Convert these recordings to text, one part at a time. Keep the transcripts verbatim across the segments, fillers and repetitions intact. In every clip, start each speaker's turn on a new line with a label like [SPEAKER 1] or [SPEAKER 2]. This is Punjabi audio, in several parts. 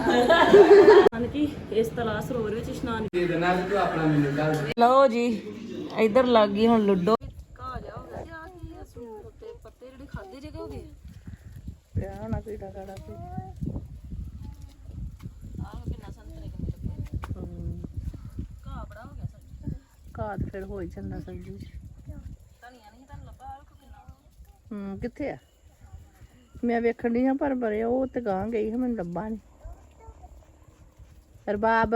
[SPEAKER 1] ਕਿ ਇਸ ਤਲਾਸ਼ ਸਰੋਵਰ ਵਿੱਚ ਇਸ਼ਨਾਨ
[SPEAKER 2] ਦੇ ਦੇਣਾ ਤੇ ਤੂੰ ਆਪਣਾ ਮੈਨੂੰ ਦੱਸ ਦੇ।
[SPEAKER 1] ਲਓ ਜੀ ਇੱਧਰ ਲੱਗ ਗਈ ਹੁਣ ਲੁੱਡੋ। ਘਾ ਜਾ ਹੋ ਗਿਆ ਤੇ ਆ ਕੀ ਆ ਸੂਟ ਉੱਤੇ ਪੱਤੇ ਜਿਹੜੇ ਖਾਦੇ ਜੇ ਹੋ ਗਏ ਪਿਆ ਹੋਣਾ ਕੀੜਾ ਕਾੜਾ ਤੇ ਆਹ ਕਿੰਨਾ ਸੰਤਰੇ ਕਿੰਨੇ ਲੱਗੇ। ਹੂੰ ਘਾ ਬੜਾ ਹੋ ਗਿਆ ਸਬਜ਼ੀ ਘਾ ਤੇ ਫਿਰ ਹੋ ਹੀ ਜਾਂਦਾ ਸਬਜ਼ੀ ਚ। ਧਨੀਆ ਨਹੀਂ ਤੁਹਾਨੂੰ ਲੱਭਾ ਆਹ ਕਿੰਨਾ। ਹੂੰ ਕਿੱਥੇ ਆ ਮੈਂ ਵੇਖਣ ਦੀ ਹਾਂ ਪਰ ਬਰੇ ਉਹ ਤੇ ਗਾਂ ਗਈ ਹੈ ਮੈਨੂੰ ਲੱਭਾ ਨਹੀਂ। ਰਬਾਬ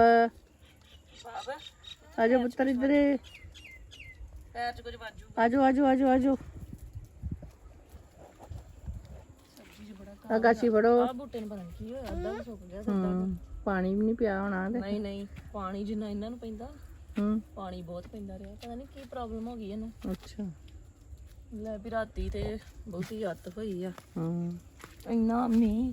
[SPEAKER 1] ਆਜੋ ਪੁੱਤਰ ਇੱਧਰ ਪੈਰ ਚ ਕੁਝ ਵਾਜੂ ਆਜੋ ਆਜੋ ਆਜੋ ਆਜੋ ਸਬਜ਼ੀ ਚ ਬੜਾ ਗਾਛੀ ਫੜੋ ਆ ਬੂਟੇ ਨੂੰ ਪਤਾ ਨਹੀਂ ਕੀ ਹੋਇਆ ਅੱਧਾ ਸੁੱਕ ਗਿਆ ਸਿੱਧਾ ਪਾਣੀ ਵੀ ਨਹੀਂ ਪਿਆ ਹੋਣਾ ਤੇ ਨਹੀਂ ਨਹੀਂ ਪਾਣੀ ਜਿੰਨਾ ਇਹਨਾਂ ਨੂੰ ਪੈਂਦਾ ਹੂੰ ਪਾਣੀ ਬਹੁਤ ਪੈਂਦਾ ਰਿਹਾ ਪਤਾ ਨਹੀਂ ਕੀ ਪ੍ਰੋਬਲਮ ਹੋ ਗਈ ਇਹਨੂੰ। ਅੱਛਾ ਲੈ ਵੀ ਰਾਤੀ ਤੇ ਬਹੁਤੀ ਹੱਤ ਹੋਈ ਆ ਹੂੰ ਇੰਨਾ ਮੀਂਹ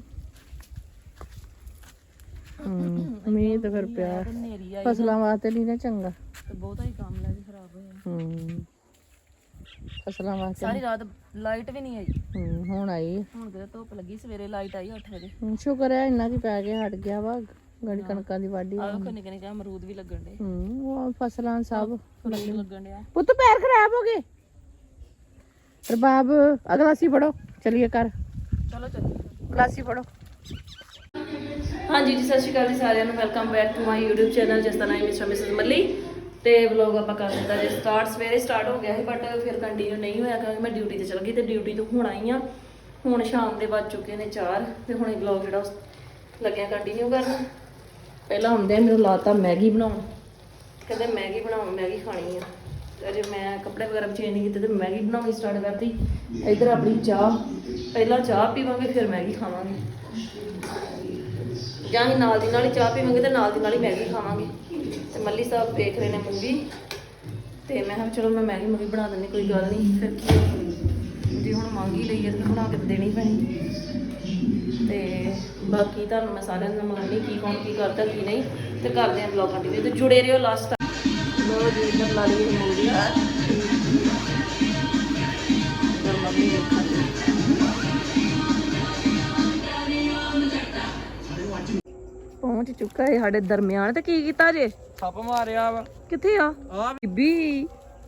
[SPEAKER 1] ਮੀਂਹ ਤਾਂ ਫਿਰ ਪਿਆ ਫਸਲਾਂ ਵਾਸਤੇ ਨਹੀਂ ਨਾ ਚੰਗਾ ਤੇ ਬਹੁਤਾ ਹੀ ਕੰਮ ਲੈ ਕੇ ਖਰਾਬ ਹੋਇਆ। ਹੂੰ ਫਸਲਾਂ ਵਾਸਤੇ ਸਾਰੀ ਰਾਤ ਲਾਈਟ ਵੀ ਨਹੀਂ ਆਈ। ਹੂੰ ਹੁਣ ਆਈ ਹੁਣ ਤੇ ਧੁੱਪ ਲੱਗੀ ਸਵੇਰੇ ਲਾਈਟ ਆਈ ਅੱਠ ਵਜੇ। ਸ਼ੁਕਰ ਹੈ ਇੰਨਾ ਕੀ ਪੈ ਗਿਆ ਹਟ ਗਿਆ ਵਾ ਗੜੀ ਕਣਕਾਂ ਦੀ ਵਾਢੀ ਆਹ ਨਿੱਕੇ ਨਿੱਕੇ ਅਮਰੂਦ ਵੀ ਲੱਗਣ ਡੇ। ਹੂੰ ਉਹ ਫਸਲਾਂ ਸਭ ਲੱਗਣ ਡਿਆ ਪੁੱਤ ਪੈਰ ਖਰਾਬ ਹੋ ਗਏ। ਰਬਾਬ ਅਗਲਾਸੀ ਫੜੋ ਚਲੀਏ ਕਰ ਚਲੋ ਚਲੋ ਗਲਾਸੀ ਫੜੋ। ਹਾਂਜੀ ਜੀ ਸਤਿ ਸ਼੍ਰੀ ਅਕਾਲ ਜੀ ਸਾਰਿਆਂ ਨੂੰ welcome back to my YouTube channel ਜਿਸ ਦਾ ਨਾਮ ਹੈ ਮਿਸਟਰ ਮਿਸਿਸ ਮੱਲੀ। ਤੇ ਵਲੌਗ ਆਪਾਂ ਕਰ ਦਿੱਤਾ ਜੇ ਸਟਾਰਟ ਸਵੇਰੇ ਸਟਾਰਟ ਹੋ ਗਿਆ ਸੀ ਬਟ ਫਿਰ ਕੰਟੀਨਿਊ ਨਹੀਂ ਹੋਇਆ ਕਿਉਂਕਿ ਮੈਂ ਡਿਊਟੀ ਤੇ ਚਲ ਗਈ ਤੇ ਡਿਊਟੀ ਤੋਂ ਹੁਣ ਆਈ ਆ। ਹੁਣ ਸ਼ਾਮ ਦੇ ਵੱਜ ਚੁੱਕੇ ਨੇ ਚਾਰ ਤੇ ਹੁਣ ਇਹ ਵਲੌਗ ਜਿਹੜਾ ਲੱਗਿਆ ਕੰਟੀਨਿਊ ਕਰਨ। ਪਹਿਲਾਂ ਹੁੰਦੇ ਮੈਨੂੰ ਲਾਤਾ ਮੈਗੀ ਬਣਾਉਣ ਕਹਿੰਦੇ ਮੈਗੀ ਬਣਾਉਣ ਮੈਗੀ ਖਾਣੀ ਆ ਤੇ ਅਜੇ ਮੈਂ ਕੱਪੜੇ ਵਗੈਰਾ ਚੇਂਜ ਨਹੀਂ ਕੀਤੇ ਤੇ ਮੈਗੀ ਬਣਾਉਣੀ ਸਟਾਰਟ ਕਰਤੀ। ਇੱਧਰ ਆਪਣੀ ਚਾਹ ਪਹਿਲਾਂ ਚਾਹ ਪੀਵਾਂਗੇ ਫਿਰ ਮੈਗੀ ਖਾਵਾਂਗੇ ਜਾਂ ਅਸੀਂ ਨਾਲ ਦੀ ਨਾਲ ਹੀ ਚਾਹ ਪੀਵਾਂਗੇ ਤੇ ਨਾਲ ਦੀ ਨਾਲ ਹੀ ਮੈਗੀ ਖਾਵਾਂਗੇ। ਤੇ ਮੱਲੀ ਸਾਹਿਬ ਦੇਖ ਰਹੇ ਨੇ ਮੂਵੀ ਤੇ ਮੈਂ ਕਿਹਾ ਚਲੋ ਮੈਂ ਮੈਗੀ ਮੂਵੀ ਬਣਾ ਦਿੰਦੀ ਕੋਈ ਗੱਲ ਨਹੀਂ ਫਿਰ ਕੀ ਜੇ ਹੁਣ ਮੰਗ ਹੀ ਲਈ ਹੈ ਤਾਂ ਬਣਾ ਕੇ ਦੇਣੀ ਪੈਣੀ। ਤੇ ਬਾਕੀ ਤੁਹਾਨੂੰ ਮੈਂ ਸਾਰਿਆਂ ਨੂੰ ਮਿਲਾਂਗੀ ਕੀ ਕੌਣ ਕੀ ਕਰਦਾ ਕੀ ਨਹੀਂ ਤੇ ਕਰਦੇ ਹਾਂ ਵਲੌਗ ਕੰਟੀਨਿਊ ਤੇ ਜੁੜੇ ਰਹੋ ਲਾਸਟ ਤੱਕ। ਲੋ ਜੀ ਇੱਧਰ ਲਾ ਲਈ ਮੂਵੀ ਇੱਧਰ ਮੰਮੀ ਵੇਖਾਂਗੇ ਪਹੁੰਚ ਚੁੱਕਾ ਹੈ ਸਾਡੇ ਦਰਮਿਆਨ। ਤੇ ਕੀ ਕੀਤਾ ਜੇ
[SPEAKER 2] ਸੱਪ ਮਾਰਿਆ ਵਾ
[SPEAKER 1] ਕਿੱਥੇ ਆ
[SPEAKER 2] ਆ
[SPEAKER 1] ਬੀਬੀ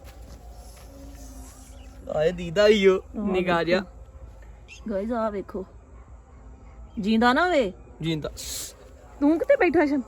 [SPEAKER 2] ਆਏ ਦੀਦਾ ਈਓ ਨਿਗਾ ਜਿਹਾ
[SPEAKER 1] ਗਾਇਜ਼ ਆ ਵੇਖੋ ਜਿੰਦਾ ਨਾ ਵੇ
[SPEAKER 2] ਜਿੰਦਾ
[SPEAKER 1] ਤੂੰ ਕਿੱਥੇ ਬੈਠਾ ਸ਼ਨ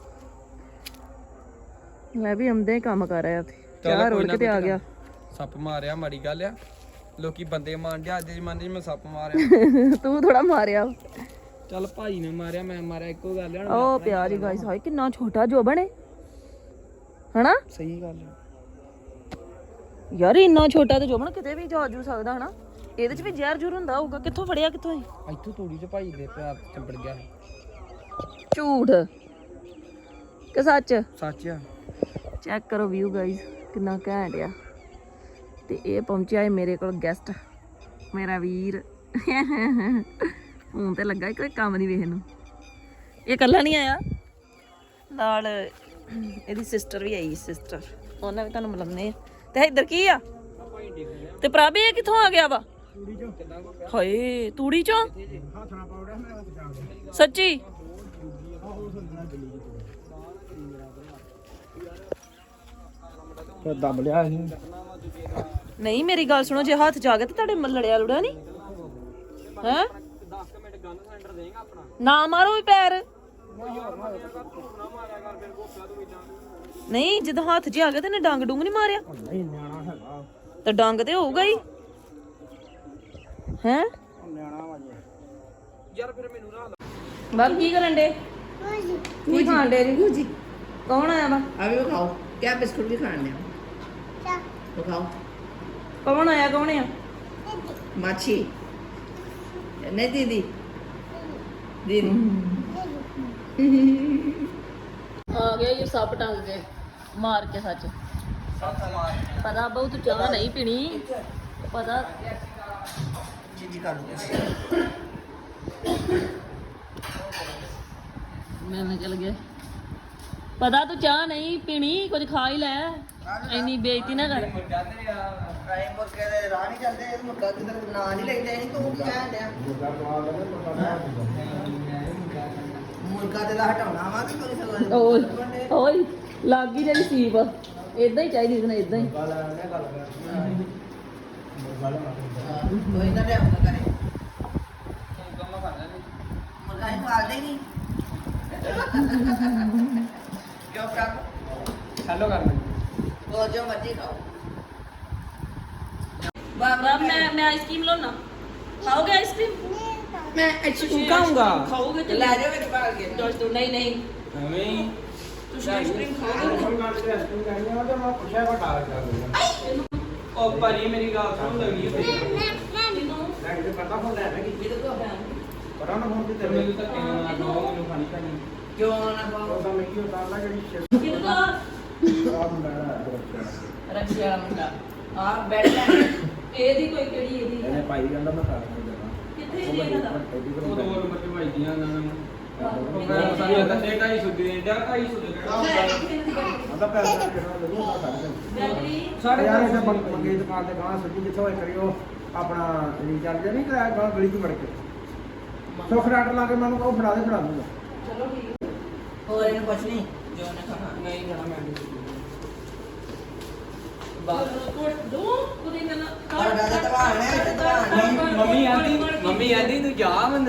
[SPEAKER 1] ਮੈਂ ਵੀ ਆਉਂਦੇ ਕੰਮ ਕਰ ਰਿਹਾ ਉੱਥੇ ਚਾਹ ਰੋੜ ਕੇ ਤੇ ਆ ਗਿਆ।
[SPEAKER 2] ਸੱਪ ਮਾਰਿਆ ਮਾੜੀ ਗੱਲ ਆ ਲੋਕੀ ਬੰਦੇ ਮਾਰਦੇ ਅੱਜ ਦੇ ਜ਼ਮਾਨੇ 'ਚ ਮੈਂ ਸੱਪ ਮਾਰਿਆ
[SPEAKER 1] ਤੂੰ ਥੋੜਾ ਮਾਰਿਆ
[SPEAKER 2] ਚੱਲ ਭਾਈ ਨੇ ਮਾਰਿਆ ਮੈਂ ਮਾਰਿਆ ਇੱਕੋ ਗੱਲ ਆ।
[SPEAKER 1] ਉਹ ਪਿਆ ਜੀ ਗਾਇਸ ਹਾਏ ਕਿੰਨਾ ਛੋਟਾ ਜੋ ਬਣੇ ਹਨਾ
[SPEAKER 2] ਸਹੀ ਗੱਲ ਆ
[SPEAKER 1] ਯਾਰ ਇੰਨਾ ਛੋਟਾ ਤੇ ਜੋਬਨ ਕਿਤੇ ਵੀ ਜਾ ਜੂ ਸਕਦਾ ਹਨਾ। ਇਹਦੇ ਚ ਵੀ ਜ਼ਹਿਰ ਜੁਰ ਹੁੰਦਾ ਹੋਊਗਾ ਕਿੱਥੋਂ ਫੜਿਆ ਕਿੱਥੋਂ ਹੈ
[SPEAKER 2] ਇੱਥੋਂ ਤੂੜੀ 'ਚ ਭਾਈ ਦੇ ਪਿਆਰ ਚੰਬੜ ਗਿਆ।
[SPEAKER 1] ਝੂਠ ਕਿ ਸੱਚ
[SPEAKER 2] ਸੱਚ ਆ
[SPEAKER 1] ਚੈੱਕ ਕਰੋ ਵਿਊ ਗਾਇਸ ਕਿੰਨਾ ਘੈਂਟ ਆ। ਤੇ ਇਹ ਪਹੁੰਚਿਆ ਹੈ ਮੇਰੇ ਕੋਲ ਗੈਸਟ ਮੇਰਾ ਵੀਰ ਹੁਣ ਤੇ ਲੱਗਾ ਕੋਈ ਕੰਮ ਨਹੀਂ ਵੇਖ ਨੂੰ। ਇਹ ਇਕੱਲਾ ਨਹੀਂ ਆਇਆ ਨਾਲ ਇਹਦੀ ਸਿਸਟਰ ਵੀ ਆਈ ਸਿਸਟਰ ਉਹਨਾਂ ਵੀ ਤੁਹਾਨੂੰ ਮਿਲਾਉਂਦੇ ਆ। ਤੇ ਇੱਧਰ ਕੀ ਆ ਤੇ ਪ੍ਰਭ ਇਹ ਕਿੱਥੋਂ ਆ ਗਿਆ ਵਾ ਹਾਏ ਤੂੜੀ ਚੋਂ ਸੱਚੀ
[SPEAKER 2] ਦਬ ਲਿਆ ਸੀ
[SPEAKER 1] ਨਹੀਂ ਮੇਰੀ ਗੱਲ ਸੁਣੋ ਜੇ ਹੱਥ ਜਾ ਗਿਆ ਤੇ ਤੁਹਾਡੇ ਲੜਿਆ ਲੁੜਿਆ ਨਹੀਂ ਹੈ ਨਾ ਮਾਰੋ ਵੀ ਪੈਰ ਨਹੀਂ ਜਦੋਂ ਹੱਥ 'ਚ ਆ ਗਿਆ ਤੇ ਇਹਨੇ ਡੰਗ ਡੁੰਗ ਨਹੀਂ ਮਾਰਿਆ ਤੇ ਡੰਗ ਤੇ ਹੋਊਗਾ ਹੀ ਹੈ
[SPEAKER 2] ਯਾਰ ਫਿਰ ਮੈਨੂੰ ਨਾ
[SPEAKER 1] ਬਾਬ ਕੀ ਕਰਨ ਡੇ ਕੀ ਖਾਣ ਡੇ ਜੀ ਕੌਣ ਆਇਆ ਵਾ
[SPEAKER 3] ਆ ਵੀ ਖਾਓ ਕਿਆ ਬਿਸਕੁਟ ਵੀ ਖਾਣੇ ਆ ਉਹ ਖਾਓ
[SPEAKER 1] ਕੌਣ ਆਇਆ ਕੌਣ ਆ
[SPEAKER 3] ਮਾਛੀ ਨਹੀਂ ਦੀਦੀ ਦੀਦੀ
[SPEAKER 1] ਆ ਗਿਆ ਇਹ ਸੱਪ ਟੰਗ ਕੇ ਮਾਰ ਕੇ ਸੱਚ ਪਤਾ ਬਹੁਤ ਚਾਹ ਨਹੀਂ ਪੀਣੀ ਪਤਾ
[SPEAKER 3] ਜੀ ਕਰ ਲਓ
[SPEAKER 1] ਮੈਂ ਮੈਂ ਚਲ ਗਿਆ ਪਤਾ ਤੂੰ ਚਾਹ ਨਹੀਂ ਪੀਣੀ ਕੁਝ ਖਾ ਹੀ ਲੈ ਇੰਨੀ ਬੇਇੱਜ਼ਤੀ ਨਾ ਕਰ
[SPEAKER 3] ਟਾਈਮ ਮੁਰਗੇ ਦੇ ਰਾਹ ਨਹੀਂ ਚੱਲਦੇ ਇਹ ਮੁਰਗਾ ਕਿਧਰ ਨਾਂ ਨਹੀਂ ਲੈਂਦੇ ਨਹੀਂ ਤੂੰ ਕੀ ਕਹਿਣ ਡਿਆ ਮੁਰਗਾ ਤੇ ਦਾ ਹਟਾਉਣਾ ਵਾ ਤੇ ਕੋਈ ਸਗੋਂ
[SPEAKER 1] ਓਏ ਓਏ ਲੱਗ ਗਈ ਜਿਹੜੀ ਸੀਪ ਇਦਾਂ ਹੀ ਚਾਹੀਦੀ ਸੀ ਨਾ ਇਦਾਂ ਹੀ
[SPEAKER 3] ਕੋਈ ਨਾ ਲਿਆਉਂਦਾ ਕਰੇ ਮੁਰਗਾ ਹੀ ਪਾਲਦੇ ਨਹੀਂ ਕਿਉਂ ਪ੍ਰਾਪ
[SPEAKER 2] ਹੈਲੋ ਕਰ ਲੈ
[SPEAKER 3] ਉਹ ਜੋ ਮਰਜੀ ਖਾਓ
[SPEAKER 1] ਬਾਬਾ ਮੈਂ ਮੈਂ ਆਈਸਕ੍ਰੀਮ ਲਾਉਣਾ ਖਾਓਗੇ ਆਈਸਕ੍ਰੀਮ
[SPEAKER 3] ਮੈਂ ਅੱਛੀ
[SPEAKER 2] ਤੂੰ ਖਾਊਂਗਾ
[SPEAKER 1] ਖਾਓਗੇ ਤੇ
[SPEAKER 3] ਲੈ ਜਾਓ ਵਿੱਚ ਪਾ ਕੇ
[SPEAKER 1] ਦੋਸਤੋ ਨਹੀਂ ਨਹੀਂ
[SPEAKER 2] ਐਵੇਂ
[SPEAKER 1] ਤੁਸੀਂ ਆਈਸਕ੍ਰੀਮ ਖਾਓਗੇ
[SPEAKER 2] ਉਹ ਭਾਜੀ ਮੇਰੀ ਗੱਲ ਸੁਣ ਲੱਗੀ ਹੈ ਮੈਨੂੰ ਤਾਂ ਕਹਿਣਾ ਦੋ ਮੈਨੂੰ ਖਾਣੀ ਪੈਣੀ
[SPEAKER 3] ਕਿਉਂ ਨਾ ਖਾਓ ਰੱਖੀ ਵਾਲਾ ਮੁੰਡਾ ਆ ਬੈਠ ਲੈ
[SPEAKER 1] ਇਹਦੀ ਕੋਈ ਕਿਹੜੀ ਇਹਦੀ
[SPEAKER 4] ਇਹਨੇ ਪਾਈ ਜਾਂਦਾ ਮੈਂ ਕਰ ਦਿੰਦਾ
[SPEAKER 1] ਕਿੱਥੇ ਜੀ ਇਹਨਾਂ ਦਾ
[SPEAKER 2] ਉਹ ਦੋ ਨੰਬਰ ਤੇ ਭਾਈਆਂ ਉਹਨਾਂ ਨੂੰ ਉਹ ਮੈਂ ਸਾਰੀ ਅੰਦਰ ਤੇ ਢਾਈ ਸੌ ਦੇ ਦਿਆ ਢਾਈ ਸੌ ਦੇ
[SPEAKER 4] ਆਦਾ ਪੈਸਾ ਕਿਹੜਾ ਲੱਗੂਗਾ ਕਰ
[SPEAKER 1] ਬੈਟਰੀ
[SPEAKER 4] ਸਾਡੇ ਯਾਰ ਇਹ ਮੰਗੇ ਦੁਕਾਨ ਤੇ ਗਾਂ ਸੱਜੀ ਜਿੱਥੋਂ ਹੋਏ ਕਰਿਓ ਆਪਣਾ ਰੀਚਾਰਜ ਨਹੀਂ ਕਰਾਇਆ ਗਾਂ ਗਲੀ ਤੋਂ ਵੜ ਕੇ ਸੁੱਖ ਡਾਟ ਲਾ ਕੇ ਮੈਨੂੰ ਕਹੋ ਫੜਾ ਦੇ ਫੜਾ ਦੂੰਗਾ
[SPEAKER 1] ਚਲੋ ਠੀਕ
[SPEAKER 3] ਹੋਰ ਇਹਨੂੰ ਕੁਛ ਨਹੀਂ ਜੋ ਨਾ ਖਾਣਾ
[SPEAKER 2] ਨਹੀਂ ਖਾਣਾ ਮੈਂ
[SPEAKER 1] ਕੋਟ ਦੋ ਕੁੜੀ ਨਾ
[SPEAKER 3] ਔਰ ਦਾਦਾ ਤਵਾਣ ਹੈ ਤਵਾਣ
[SPEAKER 2] ਮੰਮੀ ਆਂਦੀ ਮੰਮੀ ਆਂਦੀ ਤੂੰ ਜਾ ਮੈਨੂੰ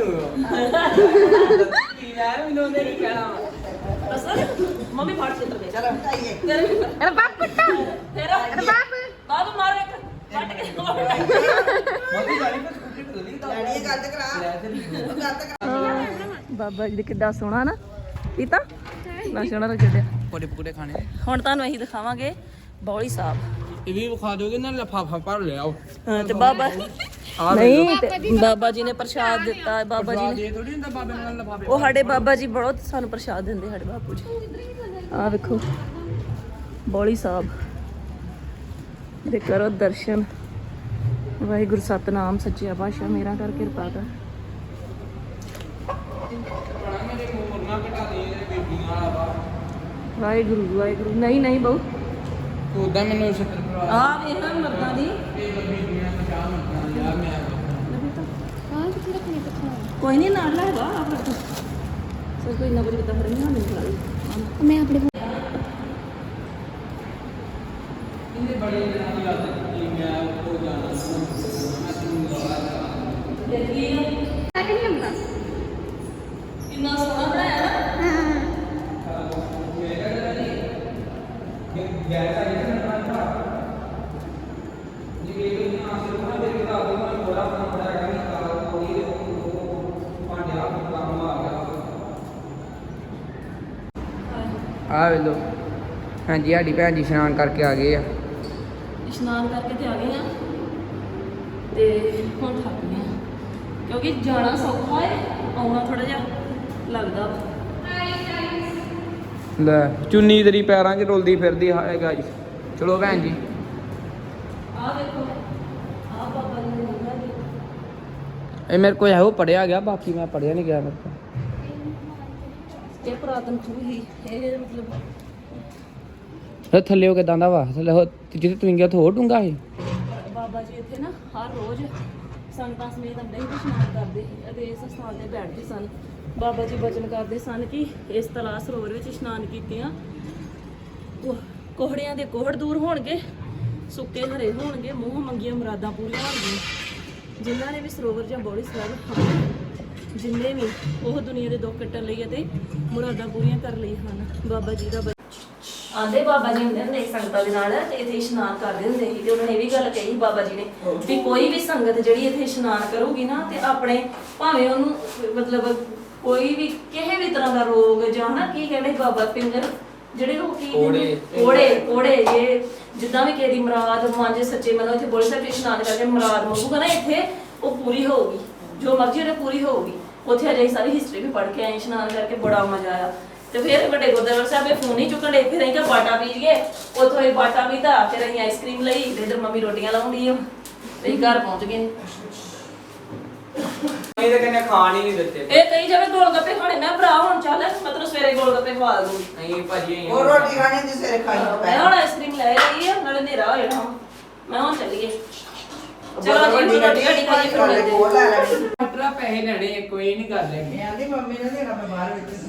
[SPEAKER 2] ਕੀ ਯਾਰ ਮੈਨੂੰ ਉਹਨੇ ਕੀ ਕਹਿਣਾ
[SPEAKER 1] ਅਸਲ ਮੰਮੀ ਫਾੜ ਕੇ ਤਰ ਗਈ
[SPEAKER 3] ਚਲੋ ਹਟਾਈਏ
[SPEAKER 1] ਤੇਰੇ
[SPEAKER 5] ਅਰੇ ਬਾਪ ਪੁੱਤ
[SPEAKER 1] ਤੇਰਾ
[SPEAKER 5] ਅਰੇ ਬਾਪ
[SPEAKER 1] ਬਾਬੂ ਮਾਰ ਇੱਕ ਫਟ ਕੇ
[SPEAKER 2] ਮੰਮੀ ਜਾਨੀ ਪਰ ਸਕੂਟਰੀ ਢਲੀ ਤਾਂ
[SPEAKER 3] ਡੈਡੀ ਇਹ ਗੱਲ ਤੇ ਕਰਾ
[SPEAKER 2] ਲੈ ਚਲੀ
[SPEAKER 3] ਉਹ ਗੱਲ ਤੇ ਕਰਾ
[SPEAKER 1] ਬਾਬਾ ਜੀ ਦੇ ਕਿੱਡਾ ਸੋਹਣਾ ਨਾ ਪੀਤਾ ਨਾ ਸੋਹਣਾ ਲੱਗਿਆ
[SPEAKER 2] ਪਕੌੜੇ ਪਕੌੜੇ ਖਾਣੇ
[SPEAKER 1] ਹੁਣ ਤੁਹਾਨੂੰ ਅਸੀਂ ਦਿਖਾਵਾਂਗੇ ਬੌਲੀ ਸਾਹਿਬ
[SPEAKER 2] ਇਹ ਵੀ ਵਿਖਾ ਦੋਗੇ ਨਾ ਲਫਾਫਾ ਭਰ ਲਿਆਓ
[SPEAKER 1] ਹਾਂ ਤੇ ਬਾਬਾ ਨਹੀਂ ਤੇ ਬਾਬਾ ਜੀ ਨੇ ਪ੍ਰਸ਼ਾਦ ਦਿੱਤਾ ਬਾਬਾ ਜੀ ਨੇ
[SPEAKER 2] ਇਹ ਥੋੜੀ ਹੁੰਦਾ ਬਾਬੇ ਨਾਲ ਲਫਾਫੇ
[SPEAKER 1] ਉਹ ਸਾਡੇ ਬਾਬਾ ਜੀ ਬਹੁਤ ਸਾਨੂੰ ਪ੍ਰਸ਼ਾਦ ਦਿੰਦੇ ਸਾਡੇ ਬਾਪੂ ਜੀ ਆਹ ਵੇਖੋ ਬੌਲੀ ਸਾਹਿਬ ਦੇ ਕਰੋ ਦਰਸ਼ਨ ਵਾਹਿਗੁਰੂ ਸਤਨਾਮ ਸੱਚਾ ਪਾਤਸ਼ਾਹ ਮੇਰਾ ਕਰ ਕਿਰਪਾ ਕਰ
[SPEAKER 2] ਮੇਰੇ ਮੁਰਨਾ ਘਟਾ ਦੇ ਇਹਦੇ ਬੇਬੀਆਂ ਵਾਲਾ ਵਾ
[SPEAKER 1] ਵਾਹਿਗੁਰੂ ਵਾਹਿਗੁਰੂ ਨਹੀਂ ਨਹੀਂ ਬਹੁ
[SPEAKER 2] ਉਦਾਂ ਮੈਨੂੰ ਛੱਤਰ ਭਰਾ
[SPEAKER 1] ਆ ਵੇਖਾਂ ਮਰਦਾਂ ਦੀ
[SPEAKER 2] ਇਹ ਬੇਬੀਆਂ ਪਛਾਣ ਮੰਗਦਾ ਯਾਰ ਮੈਂ
[SPEAKER 5] ਹਾਂ ਕਿੱਥੇ ਰੱਖਣੀ ਕਿੱਥੇ
[SPEAKER 1] ਕੋਈ ਨਹੀਂ ਨਾਲ ਲੈਗਾ ਆ ਫਿਰ ਸਰ ਕੋਈ ਨਾ ਕੁਝ ਕਿਤਾ ਫੜ ਨਹੀਂ ਮੈਨੂੰ ਖਿਲਾ
[SPEAKER 5] ਮੈਂ ਆਪਣੇ
[SPEAKER 2] ਇਹਨੇ ਬੜੇ ਦਿਨਾਂ ਦੀ ਆਦਤ ਕੀਤੀ ਮੈਂ ਉਹ ਜਾਣਾ
[SPEAKER 1] ਦੇਖੀ
[SPEAKER 5] ਤੱਕ ਨਹੀਂ ਹੁੰਦਾ
[SPEAKER 1] ਕਿੰਨਾ ਸੋਹਣਾ ਬਣਾਇਆ ਨਾ
[SPEAKER 2] ਗੈਸ ਆ ਗਿਆ ਨਾ ਭਰਾ ਜੀ ਇਹ ਵੀ ਨਾ ਸਿਰ ਨੂੰ ਦੇ ਕੇ ਆ ਗਿਆ ਮੈਂ ਥੋੜਾ ਬਣਾ ਬਣਾ ਕੇ ਨਿਕਾਲ ਕੋਈ ਪਾਂਡਿਆ ਕੰਮ ਆ ਗਿਆ ਆ ਵੇ ਲੋ ਹਾਂਜੀ ਸਾਡੀ ਭੈਣ ਜੀ ਇਸ਼ਨਾਨ ਕਰਕੇ ਆ ਗਏ ਆ
[SPEAKER 1] ਇਸ਼ਨਾਨ ਕਰਕੇ ਤੇ ਆ ਗਏ ਆ ਤੇ ਹੁਣ ਥੱਕ ਗਏ ਆ ਕਿਉਂਕਿ ਜਾਣਾ ਸੌਖਾ ਹੈ ਆਉਣਾ ਥੋੜਾ ਜਿਹਾ ਲੱਗਦਾ ਵਾ।
[SPEAKER 2] ਲੈ ਚੁੰਨੀ ਤੇਰੀ ਪੈਰਾਂ 'ਚ ਰੁਲਦੀ ਫਿਰਦੀ ਹੈ ਗਾਇਸ ਚਲੋ ਭੈਣ ਜੀ
[SPEAKER 1] ਆਹ ਦੇਖੋ ਆਹ ਬਾਬਾ ਜੀ ਨੇ ਲਿਖਿਆ ਜੀ
[SPEAKER 2] ਇਹ ਮੇਰੇ ਕੋਲ ਹੈ ਉਹ ਪੜਿਆ ਗਿਆ ਬਾਕੀ ਮੈਂ ਪੜਿਆ ਨਹੀਂ ਗਿਆ ਮੇਰੇ ਕੋਲ
[SPEAKER 1] ਇਹ ਪੁਰਾਤਨ ਖੂਹ ਹੀ ਇਹ ਮਤਲਬ
[SPEAKER 2] ਇਹ ਥੱਲੇ ਉਹ ਕਿਦਾਂ ਦਾ ਵਾ ਥੱਲੇ ਉਹ ਜਿੱਥੇ ਤੂੰ ਗਿਆ ਉੱਥੇ ਹੋਰ ਡੂੰਗਾ ਸੀ
[SPEAKER 1] ਬਾਬਾ ਜੀ ਇੱਥੇ ਨਾ ਹਰ ਰੋਜ਼ ਸੰਗਤਾਂ ਸਮੇਤ ਆਉਂਦੇ ਸੀ ਤੇ ਇਸ਼ਨਾਨ ਕਰਦੇ ਸੀ ਅਤੇ ਇਸ ਸਥਾਨ ਤੇ ਬੈਠਦੇ ਸਨ ਬਾਬਾ ਜੀ ਬਚਨ ਕਰਦੇ ਸਨ ਕਿ ਇਸ ਤਲਾਅ ਸਰੋਵਰ ਵਿੱਚ ਇਸ਼ਨਾਨ ਕੀਤਿਆਂ ਕੋਹ- ਕੋਹੜਿਆਂ ਦੇ ਕੋਹੜ ਦੂਰ ਹੋਣਗੇ ਸੁੱਕੇ ਹਰੇ ਹੋਣਗੇ ਮੂੰਹ ਮੰਗੀਆਂ ਮੁਰਾਦਾਂ ਪੂਰੀਆਂ ਹੋਣਗੀਆਂ ਜਿਨ੍ਹਾਂ ਨੇ ਵੀ ਸਰੋਵਰ ਜਾਂ ਬੋੜੀ ਸਾਹਿਬ ਜਿੰਨੇ ਵੀ ਉਹ ਦੁਨੀਆ ਦੇ ਦੁੱਖ ਕੱਟਣ ਲਈ ਅਤੇ ਮੁਰਾਦਾਂ ਪੂਰੀਆਂ ਕਰ ਲਈ ਹਨ ਬਾਬਾ ਜੀ ਦਾ ਆਂਦੇ ਬਾਬਾ ਜੀ ਹੁੰਦੇ ਹੁੰਦੇ ਸੀ ਸੰਗਤਾਂ ਦੇ ਨਾਲ ਤੇ ਇੱਥੇ ਇਸ਼ਨਾਨ ਕਰਦੇ ਹੁੰਦੇ ਸੀ ਤੇ ਉਹਨਾਂ ਨੇ ਇਹ ਵੀ ਗੱਲ ਕਹੀ ਬਾਬਾ ਜੀ ਨੇ ਵੀ ਕੋਈ ਵੀ ਸੰਗਤ ਜਿਹੜੀ ਇੱਥੇ ਇਸ਼ਨਾਨ ਕਰੂਗੀ ਨਾ ਤੇ ਆਪਣੇ ਭਾਵੇਂ ਉਹਨੂੰ ਮਤਲਬ ਕੋਈ ਵੀ ਕਿਸੇ ਵੀ ਤਰ੍ਹਾਂ ਦਾ ਰੋਗ ਜਾਂ ਹਨਾ ਕੀ ਕਹਿੰਦੇ ਬਾਬਾ ਪਿੰਗਰ ਜਿਹੜੇ ਲੋਕੀ
[SPEAKER 2] ਕੋੜੇ।
[SPEAKER 1] ਕੋੜੇ ਕੋੜੇ ਇਹ ਜਿੱਦਾਂ ਵੀ ਕਿਸੇ ਦੀ ਮੁਰਾਦ ਮੰਨ ਸੱਚੇ ਮਨੋਂ ਇੱਥੇ ਬੋਲੇ ਸਾਹਿਬ ਇਸ਼ਨਾਨ ਕਰਕੇ ਮੁਰਾਦ ਮੰਗੂਗਾ ਨਾ ਇੱਥੇ ਉਹ ਪੂਰੀ ਹੋਊਗੀ ਜੋ ਮਰਜ਼ੀ ਉਹਨੇ ਪੂਰੀ ਹੋਊਗੀ ਉੱਥੇ ਅਜੇ ਸਾਰੀ ਹਿਸਟਰੀ ਵੀ ਪੜ੍ਹ ਕੇ ਆਏ ਇਸ਼ਨਾਨ ਕਰਕੇ ਬੜਾ ਮਜ਼ਾ ਆਇਆ ਤੇ ਫਿਰ ਵੱਡੇ ਗੁਰਦੁਆਰਾ ਸਾਹਿਬ ਇਹ ਫੋਨ ਹੀ ਚੁੱਕਣ ਦੇ ਫਿਰ ਅਸੀਂ ਕਿ ਬਾਟਾ ਪੀ ਗਏ ਉੱਥੋਂ ਹੀ ਬਾਟਾ ਪੀਤਾ ਫਿਰ ਅਸੀਂ ਆਈਸਕ੍ਰੀਮ ਲਈ ਤੇ ਇਧਰ ਮੰਮੀ ਰੋਟੀਆਂ ਲਾਉਂਦੀ ਆ ਤੇ ਅਸੀਂ ਘਰ ਪਹੁੰਚ ਗਏ
[SPEAKER 2] ਇਹ ਤਾਂ ਕਹਿੰਦੇ ਖਾਣ ਹੀ ਨਹੀਂ ਦਿੱਤੇ
[SPEAKER 1] ਇਹ ਕਹੀ ਜਾਵੇ ਗੋਲ ਗੱਪੇ ਖਾਣੇ ਮੈਂ ਭਰਾ ਹੁਣ ਚੱਲ ਮਤਲਬ ਸਵੇਰੇ ਗੋਲ ਗੱਪੇ ਖਵਾ ਦੂੰਗੀ
[SPEAKER 2] ਨਹੀਂ ਭਾਜੀ
[SPEAKER 3] ਉਹ ਰੋਟੀ ਖਾਣੀ ਦੀ ਸਿਰ ਖਾਈ
[SPEAKER 1] ਮੈਂ ਹੁਣ ਆਈਸਕ੍ਰੀਮ ਲੈ ਰਹੀ ਆ ਨਾਲੇ ਹਨੇਰਾ ਹੋ ਜਾਣਾ ਮੈਂ ਹੁਣ ਚੱਲੀਏ ਚਲੋ ਜੀ ਰੋਟੀ ਰੋਟੀ ਖਾਈ ਫਿਰ ਮਿਲਦੇ
[SPEAKER 3] ਕੋਲ ਲੈ ਲੈ
[SPEAKER 2] ਡਾਕਟਰਾਂ ਪੈਸੇ ਲੈਣੇ ਆ, ਕੋਈ ਨਹੀਂ ਕਰ ਲੈਂਗੇ।
[SPEAKER 3] ਮੈਂ ਆਂਦੀ ਮੰਮੀ ਨੇ ਦੇਣਾ ਮੈਂ ਬਾਹਰ ਵਿੱਚ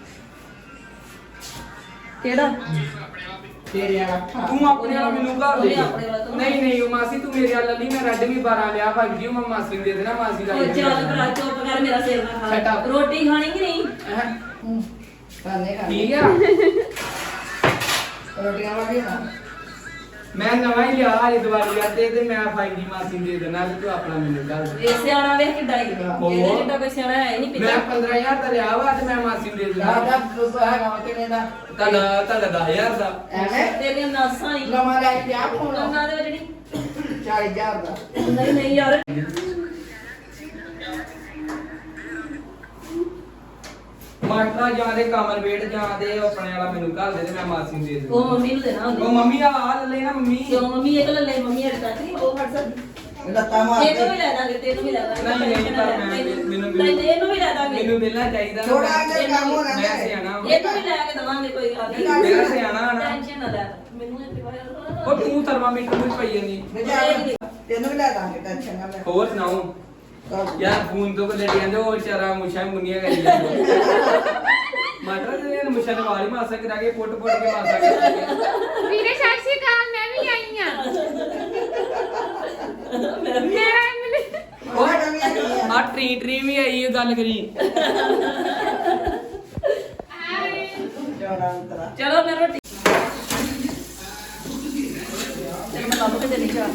[SPEAKER 1] ਕਿਹੜਾ
[SPEAKER 3] ਤੇਰੇ ਵਾਲਾ
[SPEAKER 2] ਤੂੰ ਆਪਣੇ ਵਾਲਾ ਮੈਨੂੰ ਘਰ ਦੇ
[SPEAKER 1] ਉਹਨੇ ਆਪਣੇ ਵਾਲਾ ਤੂੰ-
[SPEAKER 2] ਨਹੀਂ ਨਹੀਂ ਉਹ ਮਾਸੀ ਤੂੰ ਮੇਰੇ ਵਾਲਾ ਲਈ ਮੈਂ ਰੈਡਮੀ ਬਾਰਾਂ ਲਿਆ ਭਾਈ ਜੀ ਉਹ ਮੈਂ ਮਾਸੀ ਨੂੰ ਦੇ ਦੇਣਾ, ਮਾਸੀ ਦਾ
[SPEAKER 1] ਉਹ ਚੱਲ ਭਰਾ ਚੁੱਪ ਕਰ ਮੇਰਾ ਸਿਰ ਨਾ
[SPEAKER 2] Shut
[SPEAKER 1] ਖਾ
[SPEAKER 2] up.
[SPEAKER 1] ਰੋਟੀ ਖਾਣੀ ਕਿ ਨਹੀਂ
[SPEAKER 2] ਹੈਂ?
[SPEAKER 3] ਕਰਨੇ ਕਰ
[SPEAKER 2] ਠੀਕ ਆ
[SPEAKER 3] ਰੋਟੀਆਂ ਵਾਲੀ ਨਾ
[SPEAKER 2] ਮੈਂ ਨਵਾਂ ਹੀ ਲਿਆ ਇਹ ਦੀਵਾਲੀ ਆ ਤੇ ਤੇ ਮੈਂ ਫਾਈਵ ਜੀ ਮਾਸੀ ਨੂੰ ਦੇ ਦੇਣਾ ਤੇ ਤੂੰ ਆਪਣਾ ਮੈਨੂੰ ਕਰ ਦੇ।
[SPEAKER 1] ਇਹ ਸਿਆਣਾ ਵੇਖ ਕਿੱਡਾ ਹੀ ਇਹਦੇ ਜਿੱਡਾ ਕੋਈ ਸਿਆਣਾ ਹੈ ਨਹੀਂ
[SPEAKER 2] ਮੈਂ
[SPEAKER 1] ਪਿੱਛੇ
[SPEAKER 2] ਪੰਦਰਾਂ ਹਜ਼ਾਰ ਦਾ ਲਿਆ ਵਾ ਤੇ ਮੈਂ ਮਾਸੀ ਨੂੰ ਦੇ ਦੇਣਾ।
[SPEAKER 3] ਦਾ ਦੁੱਧ ਹੈਗਾ ਵਾ ਕਿੰਨੇ ਦਾ
[SPEAKER 2] ਤੁਹਾਡਾ ਤੁਹਾਡਾ ਦਸ ਹਜ਼ਾਰ ਦਾ
[SPEAKER 3] ਐਵੇਂ
[SPEAKER 1] ਤੇਰੀਆਂ ਨਾਸਾਂ ਹੀ
[SPEAKER 3] ਲਮਾ ਲੈ ਕੇ ਆ ਫੋਨ
[SPEAKER 1] ਉਹਨਾਂ ਦੇ ਵਿੱਚ ਜਿਹੜੀ
[SPEAKER 3] ਚਾਲੀ ਹਜ਼ਾਰ ਦਾ
[SPEAKER 1] ਨਹੀਂ ਨਹੀਂ ਯਾਰ
[SPEAKER 2] ਮਾਟਰਾ ਜਾਂ ਦੇ ਕਮਰ ਵੇਟ ਜਾਂ ਦੇ ਉਹ ਆਪਣੇ ਵਾਲਾ ਮੈਨੂੰ ਘਰ ਦੇ ਤੇ ਮੈਂ ਮਾਸੀ ਨੂੰ ਦੇ ਦੇਣਾ।
[SPEAKER 1] ਉਹ ਮੰਮੀ ਨੂੰ ਦੇਣਾ
[SPEAKER 2] ਉਹ
[SPEAKER 1] ਹੁੰਦੀ
[SPEAKER 2] ਮੰਮੀ ਆ ਆ ਲੈ ਲੈਣਾ ਮੰਮੀ।
[SPEAKER 1] ਕਿਉਂ ਮੰਮੀ ਇਹ ਲੈ ਮੰਮੀ ਹਟ ਕੱਟ ਨਹੀਂ ਉਹ ਫੜ ਸਕਦੀ
[SPEAKER 3] ਲੱਤਾਂ ਮਾਰ
[SPEAKER 1] ਤੈਨੂੰ ਵੀ ਲੈ ਦਾਂਗੇ ਤੈਨੂੰ ਵੀ ਲੈ ਦਾਂਗੇ
[SPEAKER 2] ਨਹੀਂ, ਨਹੀਂ, ਪਰ ਮੈਂ- ਮੈਨੂੰ- ਮੈਨੂੰ-
[SPEAKER 1] ਨਹੀਂ ਇਹਨੂੰ ਵੀ ਲੈ ਦਾਂਗੇ
[SPEAKER 2] ਮੈਨੂੰ ਮਿਲਣਾ ਚਾਹੀਦਾ ਨਾ।
[SPEAKER 3] ਥੋੜਾ ਜਿਹਾ ਕੰਮ ਹੋ
[SPEAKER 2] ਮੈਂ
[SPEAKER 3] ਰਿਹਾ
[SPEAKER 2] ਸਿਆਣਾ ਵਾਂ।
[SPEAKER 1] ਇਹਨੂੰ ਵੀ ਲੈ ਕੇ ਦਵਾਂਗੇ ਕੋਈ ਗੱਲ ਨਹੀਂ
[SPEAKER 2] ਮੇਰਾ ਸਿਆਣਾ ਨਾ
[SPEAKER 1] ਟੈਨਸ਼ਨ ਨਾ ਲੈ ਮੈਨੂੰ ਇਹ ਪਿਵਾਇਆ
[SPEAKER 2] ਉਹ ਤੂੰ ਥਰਮਾਮੀਟਰ ਵਿੱਚ ਪਈ ਜਾਂਦੀ।
[SPEAKER 3] ਤੈਨੂੰ ਵੀ ਲੈ ਦਾਂਗੇ ਟੈਨਸ਼ਨ ਨਾ ਲੈ
[SPEAKER 2] ਹੋਰ ਸੁਣਾਓ
[SPEAKER 3] ਕਰ।
[SPEAKER 2] ਯਾਰ ਫੋਨ ਤੋਂ ਕੋਲੇ ਜਾਂਦੇ ਉਹ ਵਿਚਾਰਾ ਮੁੱਛਾਂ ਮੁੰਨੀਆਂ ਕਰੀ ਜਾਂਦਾ। ਮਾਟਰਾ ਦੇ ਨੇ ਮੁੱਛਾਂ ਦੇ ਵਾਲ ਹੀ ਮਾਸਾ ਕਰਾ ਕੇ ਪੁੱਟ ਪੁੱਟ ਕੇ ਮਾਸਾ ਕਰਾ ਕੇ।
[SPEAKER 5] ਵੀਰੇ ਸਤਿ ਸ਼੍ਰੀ ਅਕਾਲ ਮੈਂ ਵੀ ਆਈ ਆ ਮੈਂ ਮਿਲੀ
[SPEAKER 3] ਉਹ ਨਵੀਂ ਆਈ ਆ
[SPEAKER 2] ਆ ਟਰੀ ਟਰੀ ਵੀ ਆਈ ਇਹ ਗੱਲ ਕਰੀ।
[SPEAKER 3] ਜੋੜਾ ਅੰਤਰਾ
[SPEAKER 1] ਚਲੋ ਮੈਂ ਰੋਟੀ ਤੇ ਮੈਂ ਲੱਭ ਕੇ ਦੇਣੀ ਚਾਹ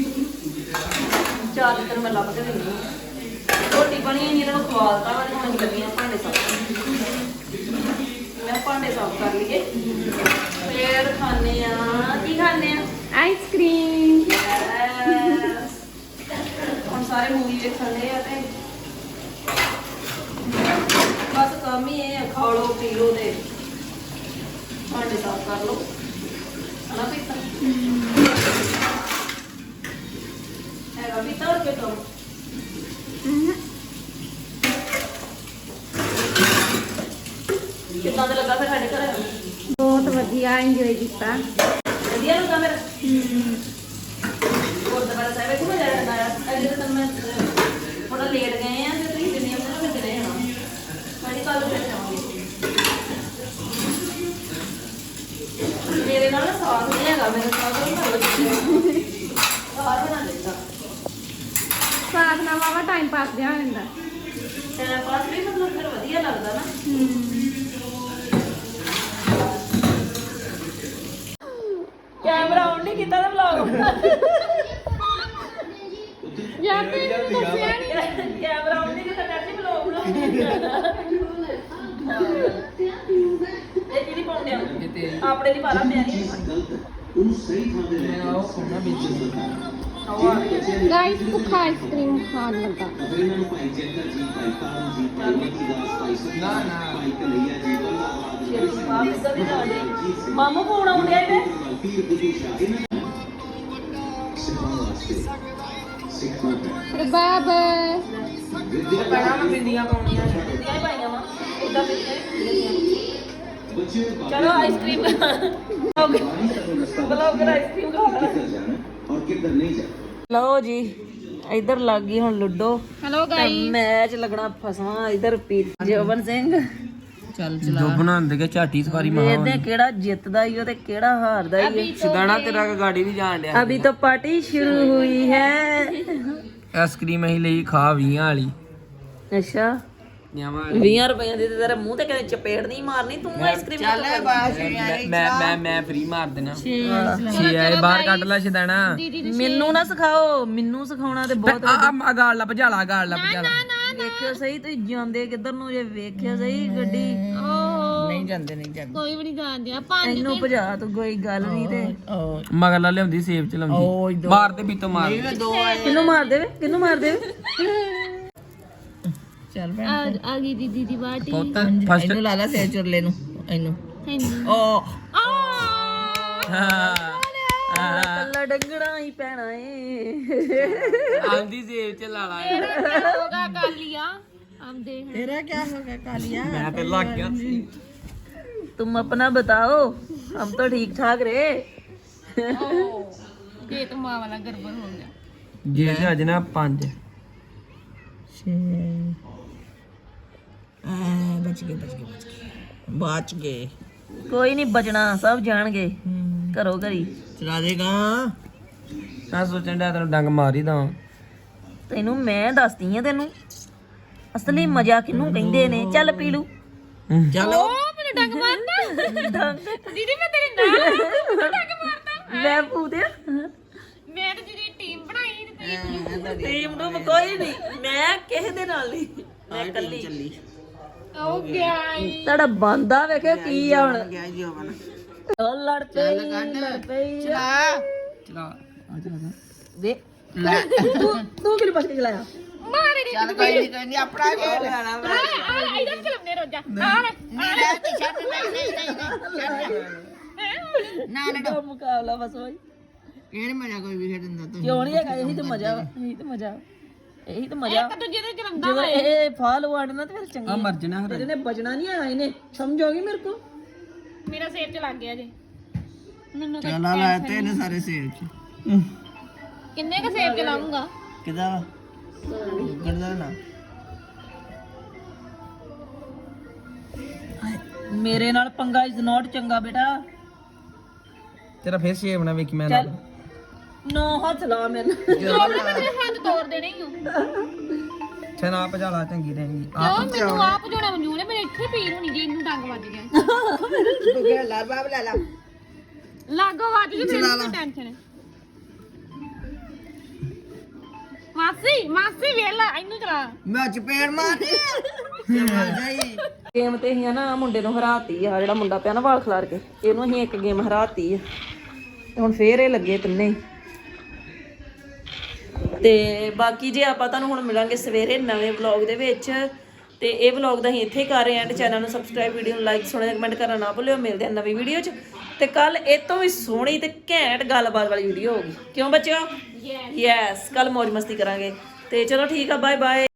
[SPEAKER 1] ਚਾਹ ਤੇ ਮੈਂ ਲੱਭ ਕੇ ਦੇਣੀ ਰੋਟੀ ਬਣੀ ਨਹੀਂ ਇਹਨਾਂ ਨੂੰ ਖਵਾਲਤਾ ਵਾ ਤੇ ਹੁਣ ਲੱਗੀਆਂ ਭਾਂਡੇ ਸਾਫ਼ ਮੈਂ ਭਾਂਡੇ ਸਾਫ਼ ਕਰ ਲਈਏ ਫੇਰ ਖਾਣੇ ਆ ਕੀ ਖਾਣੇ ਆ
[SPEAKER 5] ਆਈਸਕ੍ਰੀਮ
[SPEAKER 1] Yes. ਹੁਣ ਸਾਰੇ ਮੂਵੀ ਵੇਖਣੇ ਆ ਤੇ ਬਸ ਕੰਮ ਹੀ ਇਹ ਆ, ਖਾ ਲਓ ਪੀ ਲਓ ਤੇ ਭਾਂਡੇ ਸਾਫ਼ ਕਰ ਲਓ ਹਨਾ ਪੀਤਾ ਹੈਗਾ ਪੀਤਾ ਹੋਰ ਕੀ ਕੰਮ ਕਿੱਦਾਂ ਦਾ ਲੱਗਾ ਫਿਰ ਸਾਡੇ ਘਰ
[SPEAKER 5] ਬਹੁਤ ਵਧੀਆ ਇੰਜੋਏ ਕੀਤਾ
[SPEAKER 1] ਵਧੀਆ ਲੱਗਾ ਮੇਰਾ ਹੋਰ ਦੁਬਾਰਾ ਸਾਹਿਬ ਕਿਉਂ ਜਾ ਰਿਹਾ ਹੈ ਅਜੇ ਤਾਂ ਮੈਂ ਥੋੜਾ ਲੇਟ ਗਏ ਆ ਤੇ ਤੁਸੀਂ ਜਿੰਨੇ ਉਹਨਾਂ ਨੂੰ ਚਲੇ ਜਾਣਾ ਮੈਂ ਕੱਲ ਨੂੰ ਫਿਰ ਜਾਵਾਂਗੀ ਮੇਰੇ ਨਾਲ ਨਾ ਸਾਥ ਨਹੀਂ ਹੈਗਾ ਮੇਰੇ ਸਾਥ ਨਹੀਂ ਹੈਗਾ ਸਾਥ ਬਣਾ ਲੈਂਦਾ
[SPEAKER 5] ਸਾਥ ਨਾਲ ਵਾਵਾ ਟਾਈਮ ਪਾਸ ਜਿਹਾ ਹੋ ਜਾਂਦਾ
[SPEAKER 1] ਟਾਈਮ ਪਾਸ ਵੀ ਮਤਲਬ ਫਿਰ ਵਧੀਆ ਲੱਗਦਾ ਨਾ ਕੈਮਰਾ ਆਨ ਨਹੀਂ ਕੀਤਾ ਨਾ ਵਲੌਗ
[SPEAKER 5] ਯਾਰ ਤੇ ਦੱਸਿਆ ਨਹੀਂ
[SPEAKER 1] ਕੈਮਰਾ ਆਨ ਨਹੀਂ ਕੀਤਾ ਨੈਟ ਵਲੌਗ ਨੂੰ ਇਹ ਕਿਹਦੀ ਪਾਉਂਦੇ ਆ ਆਪਣੇ ਦੀ ਪਾਲਾ ਪਿਆ ਨਹੀਂ
[SPEAKER 2] ਮੈਂ ਉਹ ਸੋਨਾ ਵੇਚੀ
[SPEAKER 5] ਗਾਇਸ ਭੁੱਖਾ ਆਈਸਕ੍ਰੀਮ ਖਾਣ ਲੱਗਾ
[SPEAKER 2] ਨਾ ਨਾ
[SPEAKER 1] ਮਾਮੂ ਫੋਨ ਆਉਂਦਿਆ ਇਹਦੇ
[SPEAKER 5] ਬਾਬਾ
[SPEAKER 2] ਪਹਿਲਾਂ ਮੈਂ ਬਿੰਦੀਆਂ ਪਾਉਣੀਆਂ
[SPEAKER 1] ਦੀਆਂ ਹੀ ਪਾਈਆਂ ਵਾ ਇਦਾਂ ਚਲੋ ਆਈਸਕ੍ਰੀਮ ਬਲੌਗਰ ਆਈਸਕ੍ਰੀਮ ਖਾਣਾ ਲਓ ਜੀ ਇਧਰ ਲੱਗ ਗਈ ਹੁਣ ਲੁੱਡੋ
[SPEAKER 5] ਹੈਲੋ
[SPEAKER 1] ਤੇ ਮੈਚ ਲੱਗਣਾ ਫਸਵਾ ਇਧਰ ਪੀ ਜੋਬਨ ਸਿੰਘ ਚੱਲ
[SPEAKER 2] ਜੋ ਬਣਾਉਂਦੇ ਕੇ ਝਾਟੀ ਸਵਾਰੀ
[SPEAKER 1] ਵੇਖਦੇ ਕਿਹੜਾ ਜਿੱਤਦਾ ਈ ਓ ਤੇ ਕਿਹੜਾ ਹਾਰਦਾ ਈ
[SPEAKER 2] ਸਿਦਾਣਾ ਤੇਰਾ ਗਾੜੀ ਵੀ ਜਾਣ ਡਿਆ
[SPEAKER 1] ਅਭੀ ਤਾਂ ਪਾਰਟੀ ਸ਼ੁਰੂ ਹੁਈ ਹੈ
[SPEAKER 2] ਆਈਸਕ੍ਰੀਮ ਅਸੀਂ ਲਈ ਖਾ ਵੀਹ ਵਾਲੀ
[SPEAKER 1] ਅੱਛਾ
[SPEAKER 2] ਨਿਆਵਾਂ
[SPEAKER 1] ਵੀਹ ਰੁਪਏ ਦੀ ਤੇ ਤੇਰੇ ਮੂੰਹ ਤੇ ਕਦੇ ਚਪੇੜ ਨਹੀਂ ਮਾਰਨੀ ਤੂੰ ਆਈਸਕ੍ਰੀਮ
[SPEAKER 3] ਚੱਲ ਬਾਸ
[SPEAKER 2] ਮੈਂ ਮੈਂ ਮੈਂ ਫ੍ਰੀ ਮਾਰ ਦੇਣਾ ਛੇ ਆਏ ਬਾਹਰ ਕੱਢ ਲੈ ਸਿਦਾਣਾ
[SPEAKER 1] ਮੈਨੂੰ ਨਾ ਸਿਖਾਓ ਮੈਨੂੰ ਸਿਖਾਉਣਾ ਤੇ ਬਹੁਤ
[SPEAKER 2] ਆ ਆ ਗਾਲ ਲਾ ਭਜਾਲਾ ਗਾਲ ਲਾ ਭਜਾਲਾ
[SPEAKER 1] ਵੇਖਿਓ ਸਹੀ ਤੁਸੀਂ ਜਾਂਦੇ ਕਿੱਧਰ ਨੂੰ ਜੇ ਵੇਖਿਓ ਸਹੀ ਗੱਡੀ
[SPEAKER 3] ਨਹੀਂ ਜਾਂਦੇ ਨਹੀਂ ਜਾਂਦੇ
[SPEAKER 5] ਕੋਈ ਵੀ ਨਹੀਂ ਜਾਣਦੇ ਆਪਾਂ
[SPEAKER 1] ਇਹਨੂੰ ਭਜਾ ਤੂੰ ਕੋਈ ਗੱਲ ਨਹੀਂ ਤੇ
[SPEAKER 2] ਮਗਲਾ ਲਿਆਉਂਦੀ ਸੇਬ ਚ ਲਾਉਂਦੀ ਮਾਰ ਦੇ ਪੀਤੋਂ ਮਾਰ ਦੇ।
[SPEAKER 3] ਦੋ ਆਏ
[SPEAKER 1] ਕਿਹਨੂੰ ਮਾਰ ਦੇਵੇ ਕਿਹਨੂੰ ਮਾਰ ਦੇਵੇ
[SPEAKER 3] ਚੱਲ
[SPEAKER 5] ਆ ਆ ਗਈ ਦੀਦੀ ਦੀ ਬਾਟੀ
[SPEAKER 2] ਪੁੱਤ ਫਸਟ
[SPEAKER 3] ਇਹਨੂੰ ਲਾ ਲਾ ਸੇ ਚੁਰਲੇ ਨੂੰ ਇਹਨੂੰ
[SPEAKER 5] ਹਾਂਜੀ
[SPEAKER 3] ਓ
[SPEAKER 1] ਕੱਲਾ ਡੰਗਣਾ ਹੀ ਪੈਣਾ ਏ
[SPEAKER 2] ਆਂਦੀ ਸੇਬ ਚ ਲਾ ਲਾ
[SPEAKER 5] ਹੋਗਾ ਕਰ ਲਿਆ ਹਮ ਦੇਖ
[SPEAKER 3] ਤੇਰਾ ਕੀ ਹੋ ਗਿਆ ਕਾਲੀਆ
[SPEAKER 2] ਮੈਂ ਤੇ ਲੱਗ ਗਿਆ ਸੀ
[SPEAKER 1] तुम अपना बताओ हम तो ठीक ठाक रहे
[SPEAKER 5] पेट माँ वाला गड़बड़ हो गया
[SPEAKER 2] ਜੇ ਤੇ ਅੱਜ ਨਾ ਪੰਜ
[SPEAKER 3] ਛੇ ਆ ਬਚ ਗਏ ਬਚ ਗਏ ਬਚ ਗਏ ਬਚ ਗਏ
[SPEAKER 1] ਕੋਈ ਨਹੀਂ ਬਚਣਾ ਸਭ ਜਾਣਗੇ ਘਰੋ ਘਰੀ
[SPEAKER 3] ਚਲਾ ਦੇਗਾ
[SPEAKER 2] ਮੈਂ ਸੋਚਣ ਡਿਆ ਤੈਨੂੰ ਡੰਗ ਮਾਰ ਹੀ ਦਵਾਂ
[SPEAKER 1] ਤੈਨੂੰ ਮੈਂ ਦੱਸਦੀ ਆ ਤੈਨੂੰ ਅਸਲੀ ਮਜ਼ਾ ਕਿਹਨੂੰ ਕਹਿੰਦੇ ਨੇ ਚੱਲ ਪੀ ਲੂ
[SPEAKER 3] ਚਲੋ
[SPEAKER 5] ਮੈਨੂੰ ਡੰਗ ਮਾਰਦਾ ਦੀਦੀ ਮੈਂ ਤੇਰੇ ਨਾਲ ਡੰਗ ਮਾਰਦਾ
[SPEAKER 1] ਮੈਂ ਪੂਦਿਆ
[SPEAKER 5] ਮੈਂ ਤਾਂ ਜਿਹੜੀ ਟੀਮ ਬਣਾਈ ਤੇ
[SPEAKER 1] ਟੀਮ ਨੂੰ ਕੋਈ ਨਹੀਂ ਮੈਂ ਕਿਸੇ ਦੇ ਨਾਲ ਨਹੀਂ ਮੈਂ ਇਕੱਲੀ
[SPEAKER 3] ਚੱਲੀ
[SPEAKER 5] ਹੋ ਗਿਆ
[SPEAKER 1] ਤੁਹਾਡਾ ਬੰਦਾ ਵੇਖਿਓ ਕੀ ਆ ਹੁਣ
[SPEAKER 3] ਗਿਆ ਜੀ ਹੋਵਨ
[SPEAKER 1] ਉਹ ਲੜ ਪਈ ਲੜ ਪਈ
[SPEAKER 3] ਚਲਾ
[SPEAKER 2] ਚਲਾ ਆ ਚਲਾ
[SPEAKER 1] ਵੇ ਤੂੰ ਤੂੰ ਕਿਹਨੇ ਪਾਸ ਕੇ ਚਲਾਇਆ
[SPEAKER 5] ਮਾਰੇ ਨੀ
[SPEAKER 3] ਚੱਲ ਕੋਈ ਨਹੀਂ ਕੋਈ ਨਹੀਂ ਆਪਣਾ ਖੇਡ ਲੈਣਾ ਮੈਂ
[SPEAKER 5] ਆ ਇਹਦਾ ਚਲਮਨੇ ਰੋਜਾ ਆ
[SPEAKER 3] ਨਹੀਂ ਰਹਿ ਤੇ ਛੱਡ ਨਹੀਂ ਨਹੀਂ ਨਹੀਂ ਨਾ ਨਾ
[SPEAKER 1] ਉਹ ਮੁਕਾਬਲਾ ਬਸ ਹੋਈ
[SPEAKER 3] ਇਹ ਨਹੀਂ ਮਜ਼ਾ ਕੋਈ ਵੀ ਖੇਡਣ ਦਾ ਤੂੰ
[SPEAKER 1] ਕਿਉਂ ਨਹੀਂ ਹੈਗਾ ਇਹੀ ਤਾਂ ਮਜ਼ਾ ਵਾ ਇਹੀ ਤਾਂ ਮਜ਼ਾ ਵਾ। ਇਹੀ ਤਾਂ ਮਜ਼ਾ
[SPEAKER 5] ਇੱਕ ਦੂਜੇ ਦੇ ਚਲਮਦਾ
[SPEAKER 1] ਜਦੋਂ ਇਹ ਫਾਲ ਵਾੜਨਾ ਤੇ ਫਿਰ
[SPEAKER 2] ਆ
[SPEAKER 1] ਚੰਗੀ
[SPEAKER 2] ਮਰ ਜਣਾ ਫਿਰ
[SPEAKER 1] ਇਹਨੇ ਬਚਣਾ ਨਹੀਂ ਆਇਆ ਇਹਨੇ ਸਮਝੋਗੀ ਮੇਰੇ ਕੋ
[SPEAKER 5] ਮੇਰਾ ਸਿਰ ਚ ਲੱਗ ਗਿਆ ਜੀ ਮੈਨੂੰ ਤਾਂ
[SPEAKER 3] ਚਲਾ ਲਾਇਆ ਤੇ ਇਹਨੇ ਸਾਰੇ ਸੇਬ ਚ
[SPEAKER 5] ਕਿੰਨੇ ਕ ਸੇਬ ਚਲਾਉਂਗਾ
[SPEAKER 3] ਕਿਦਾ ਗੜਦਾ ਨਾ
[SPEAKER 1] ਮੇਰੇ ਨਾਲ ਪੰਗਾ ਇਜ਼ ਨਾਟ ਚੰਗਾ ਬੇਟਾ
[SPEAKER 2] ਤੇਰਾ ਫੇਰ ਸ਼ੇਪ ਨਾ ਵੇਖੀ ਮੈਂ
[SPEAKER 1] ਚੱਲ ਨੋ ਹੱਥ ਲਾ ਮੇਰੇ ਨਾਲ
[SPEAKER 5] ਤੇਰੇ ਹੱਥ ਤੋੜ ਦੇਣੇ ਹੀ ਹੋ
[SPEAKER 2] ਛਨਾ ਭਜਾਲਾ ਚੰਗੀ ਰਹੇਗੀ
[SPEAKER 5] ਕਿਉਂ ਮੈਨੂੰ ਆਪ ਜੋੜਾ ਮਨਜੂਰ ਮੇਰੇ ਇੱਥੇ ਪੀਰ ਹੋਣੀ ਜੇ ਇਹਨੂੰ ਡੰਗ ਵੱਜ ਗਿਆ
[SPEAKER 3] ਤੂੰ ਕਿਹੜਾ ਲਾਲ ਬਾਬ ਲੈ ਲਾ
[SPEAKER 5] ਲਾਗੋ ਵੱਜ ਗਈ ਮੈਨੂੰ ਕੋਈ ਟੈਨਸ਼ਨ ਹੈ ਮਾਸੀ ਮਾਸੀ ਵੇਲਾ ਇਹਨੂੰ ਚਲਾ
[SPEAKER 3] ਮੈਂ ਚਪੇੜ ਮਾਰੀ ਮਰ ਜਾਈ
[SPEAKER 1] ਗੇਮ ਤੇ ਅਸੀਂ ਨਾ ਮੁੰਡੇ ਨੂੰ ਹਰਾਤੀ ਆ ਜਿਹੜਾ ਮੁੰਡਾ ਪਿਆ ਨਾ ਵਾਲ ਖਲਾਰ ਕੇ ਇਹਨੂੰ ਅਸੀਂ ਇੱਕ ਗੇਮ ਹਰਾਤੀ ਆ ਤੇ ਹੁਣ ਫੇਰ ਇਹ ਲੱਗੇ ਤਿੰਨੇ ਹੀ। ਤੇ ਬਾਕੀ ਜੇ ਆਪਾਂ ਤੁਹਾਨੂੰ ਹੁਣ ਮਿਲਾਂਗੇ ਸਵੇਰੇ ਨਵੇਂ ਵਲੌਗ ਦੇ ਵਿੱਚ ਤੇ ਇਹ ਵਲੌਗ ਦਾ ਅਸੀਂ ਇੱਥੇ ਹੀ ਕਰ ਰਹੇ ਹਾਂ ਤੇ ਚੈਨਲ ਨੂੰ ਸਬਸਕ੍ਰਾਈਬ ਵੀਡੀਓ ਨੂੰ ਲਾਈਕ ਸੋਹਣਾ ਕਮੈਂਟ ਕਰਨਾ ਨਾ ਭੁੱਲਿਓ ਮਿਲਦੇ ਹਾਂ ਨਵੀਂ ਵੀਡੀਓ 'ਚ ਤੇ ਕੱਲ ਇਹ ਤੋਂ ਵੀ ਸੋਹਣੀ ਤੇ ਘੈਂਟ ਗੱਲਬਾਤ ਵਾਲੀ ਵੀਡੀਓ ਹੋਊਗੀ ਕਿਉਂ ਬੱਚਿਓ ਯੈਸ ਕੱਲ ਮौज ਮਸਤੀ ਕਰਾਂਗੇ ਤੇ ਚਲੋ ਠੀਕ ਆ ਬਾਏ ਬਾਏ